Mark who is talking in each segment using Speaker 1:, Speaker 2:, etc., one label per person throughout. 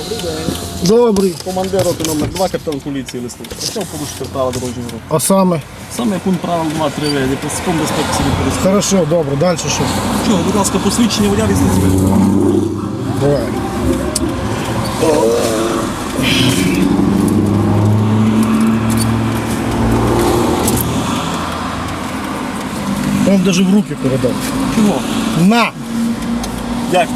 Speaker 1: Добрий.
Speaker 2: Командир роти номер 2, капітан поліції Лисник. Що порушити правила дорожнього руху?
Speaker 1: А саме?
Speaker 2: Саме пункт правил 2-3 види, паском безпеки собі користується.
Speaker 1: Хорошо, добре, далі що?
Speaker 2: Чого, будь ласка, посвідчення водія лісниці.
Speaker 1: Давай. Он даже в руки передав.
Speaker 2: Чого?
Speaker 1: На!
Speaker 2: Дякую.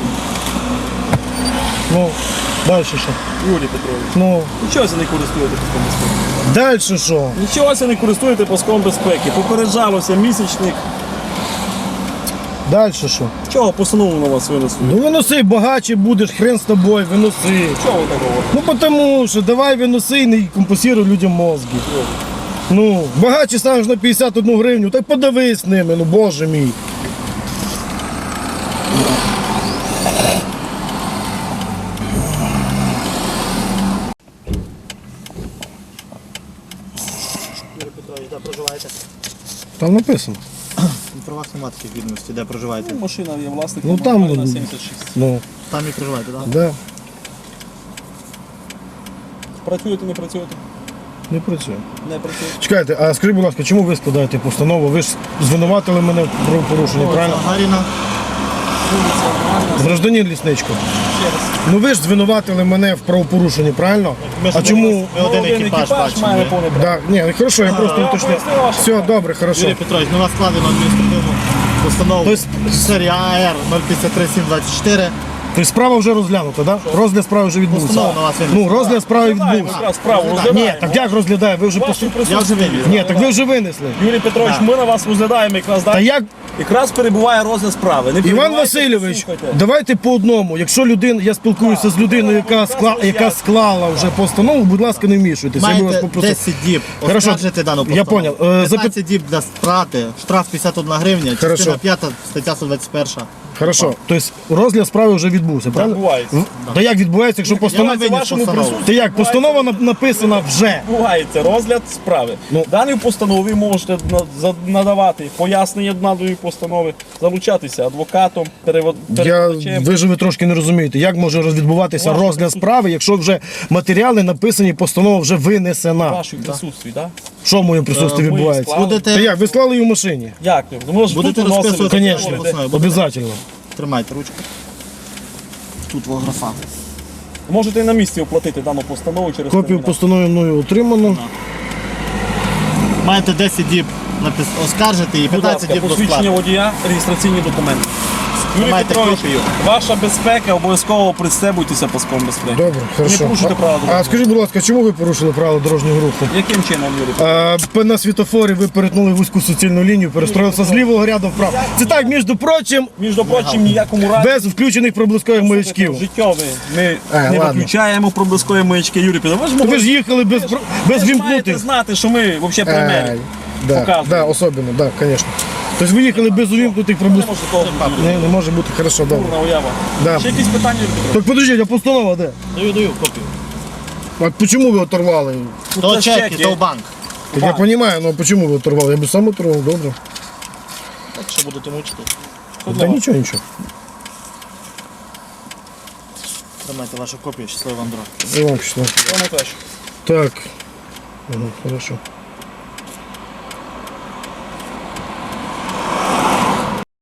Speaker 1: Ну, далі що?
Speaker 2: Юрій Петрович.
Speaker 1: Ну,
Speaker 2: Нічого це не користуєте паском безпеки.
Speaker 1: далі що?
Speaker 2: Нічого це не користуєте паском безпеки. Попереджалося місячник.
Speaker 1: Далі що?
Speaker 2: Чого постанову на вас винесли?
Speaker 1: Ну виноси, багаче будеш, хрен з тобою, виноси.
Speaker 2: Чого ви так говорите?
Speaker 1: Ну потому що давай виноси і не компенсируй людям мозги. Ну, багаче станеш на 51 гривню, так подивись ними, ну боже мій.
Speaker 3: Юрій Петрович, де проживаєте?
Speaker 1: Там написано.
Speaker 3: Про вас немає таких відомостей, де проживаєте.
Speaker 2: Машина є власником.
Speaker 1: Ну, там,
Speaker 2: на 76.
Speaker 1: Ну,
Speaker 3: Там і проживаєте, так?
Speaker 1: да,
Speaker 2: Працюєте, не працюєте?
Speaker 1: не працює.
Speaker 2: Не працюєте.
Speaker 1: Чекайте, а скажіть, будь ласка, чому ви складаєте постанову? Ви ж звинуватили мене в правопорушенні, правильно?
Speaker 3: Гаріна.
Speaker 1: Гражданин Лісничко.
Speaker 2: Ще раз.
Speaker 1: Ну ви ж звинуватили мене в правопорушенні, правильно? А чому?
Speaker 3: Ми один екіпаж бачимо.
Speaker 2: має
Speaker 3: ви.
Speaker 2: повне право.
Speaker 1: Да, ні, хорошо, я просто
Speaker 2: я
Speaker 1: уточнив.
Speaker 2: поясню ваше.
Speaker 1: Все, добре, хорошо.
Speaker 3: Юрій Петрович, на вас складено адміністративну постанову
Speaker 1: Тобто-
Speaker 3: серія АР 053724.
Speaker 1: Тобто справа вже розглянута, так? Да? Розгляд справи вже відбувся.
Speaker 3: Постанова на вас винесена.
Speaker 1: Ну, розгляд справи
Speaker 2: Розглядаємо
Speaker 1: відбувся.
Speaker 2: якраз справу,
Speaker 1: Ні,
Speaker 2: розглядаємо.
Speaker 1: так як розглядає? Ви вже
Speaker 2: Вашу
Speaker 1: посу...
Speaker 3: Я вже вивів.
Speaker 1: Ні, так ви вже винесли.
Speaker 2: Юрій Петрович, ми на вас розглядаємо якраз,
Speaker 1: Та
Speaker 2: так?
Speaker 1: як,
Speaker 2: Якраз перебуває розгляд справи. Не
Speaker 1: Іван
Speaker 2: перебувайте,
Speaker 1: Васильович,
Speaker 2: слухайте.
Speaker 1: давайте по одному. Якщо людина, я спілкуюся з людиною, яка склала вже постанову, будь ласка, не вмішуйтесь. Я би вас
Speaker 3: Маєте
Speaker 1: попросив.
Speaker 3: 10 діб
Speaker 1: Хорошо.
Speaker 3: оскаржити дану
Speaker 1: Я
Speaker 3: постанову.
Speaker 1: понял.
Speaker 3: 15 діб для страти, штраф 51 гривня, частина
Speaker 1: Хорошо.
Speaker 3: 5, стаття 121.
Speaker 1: Хорошо. Тобто розгляд справи вже відбувся, правильно?
Speaker 2: Відбувається.
Speaker 1: Та як відбувається, якщо постанова...
Speaker 3: виніс
Speaker 2: вашому
Speaker 3: постанову.
Speaker 2: присутстві.
Speaker 1: Та як, постанова написана вже.
Speaker 2: Відбувається розгляд справи.
Speaker 1: Ну.
Speaker 2: Даною постановою ви можете надавати пояснення даної постанови, залучатися адвокатом, перекладачем.
Speaker 1: Ви ж ви трошки не розумієте, як може відбуватися
Speaker 2: Ваше
Speaker 1: розгляд справи, якщо вже матеріали написані, постанова вже винесена.
Speaker 2: В вашому присутстві, так?
Speaker 1: Що в моєму присутстві
Speaker 2: Ми
Speaker 1: відбувається?
Speaker 2: склали.
Speaker 1: Та як, ви склали її в машині?
Speaker 2: Як? Ви можете
Speaker 3: Будете
Speaker 2: тут виносити,
Speaker 3: розписувати?
Speaker 2: так,
Speaker 1: Звісно,
Speaker 2: можете.
Speaker 1: обов'язково.
Speaker 3: Тримайте ручку. Тут графа.
Speaker 2: Можете і на місці оплатити дану постанову через
Speaker 1: Копію
Speaker 2: термінал.
Speaker 1: постанови мною отримано.
Speaker 3: Маєте 10 діб оскаржити і
Speaker 2: Будь
Speaker 3: 15
Speaker 2: ласка,
Speaker 3: діб до
Speaker 2: посвідчення
Speaker 3: сплати.
Speaker 2: водія, реєстраційні документи. Юрій
Speaker 3: Маєте
Speaker 2: Петрович,
Speaker 3: копію?
Speaker 2: ваша безпека, обов'язково пристебуйтеся паском безпеки.
Speaker 1: Добре, хорошо.
Speaker 2: Не порушуйте правила
Speaker 1: А
Speaker 2: дорожнього.
Speaker 1: скажіть, будь ласка, чому ви порушили правила дорожнього руху?
Speaker 2: Яким чином, Юрій Петрович?
Speaker 1: На світофорі ви перетнули вузьку суцільну лінію, перестроїлися з лівого ряду вправо. Це так, між прочим,
Speaker 2: Між прочим, ніякому разі.
Speaker 1: без включених проблискових маячків.
Speaker 2: Життєві ми не
Speaker 1: ладно.
Speaker 2: виключаємо проблискові маячки. Юрій Петрович, ви ж
Speaker 1: Ви
Speaker 2: могли
Speaker 1: ж їхали без
Speaker 2: ви ж маєте
Speaker 1: вімкнутих.
Speaker 2: знати, що ми взагалі примері.
Speaker 1: Да,
Speaker 2: Показуємо.
Speaker 1: да, особливо, да, звісно. Тобто ви їхали без увімкнутих
Speaker 2: Не
Speaker 1: проблискових.
Speaker 2: може такого бути.
Speaker 1: Не може бути, хорошо, добре.
Speaker 2: Дурна уява.
Speaker 1: Да.
Speaker 2: Ще якісь питання, Юрій Петрович?
Speaker 1: Так подождіть, а постанова де?
Speaker 3: Даю копію.
Speaker 1: А чому ви оторвали?
Speaker 3: То
Speaker 2: це
Speaker 3: чеки,
Speaker 2: чеки.
Speaker 3: то в банк.
Speaker 1: Так я розумію, але чому ви оторвали? Я б сам оторвав, добре.
Speaker 3: Так що будете мучити.
Speaker 1: Та нічого, нічого.
Speaker 3: Тримайте вашу копію, щасливо вам дорога.
Speaker 1: І вам пішло.
Speaker 2: Що найкраще?
Speaker 1: Так. Ага, хорошо.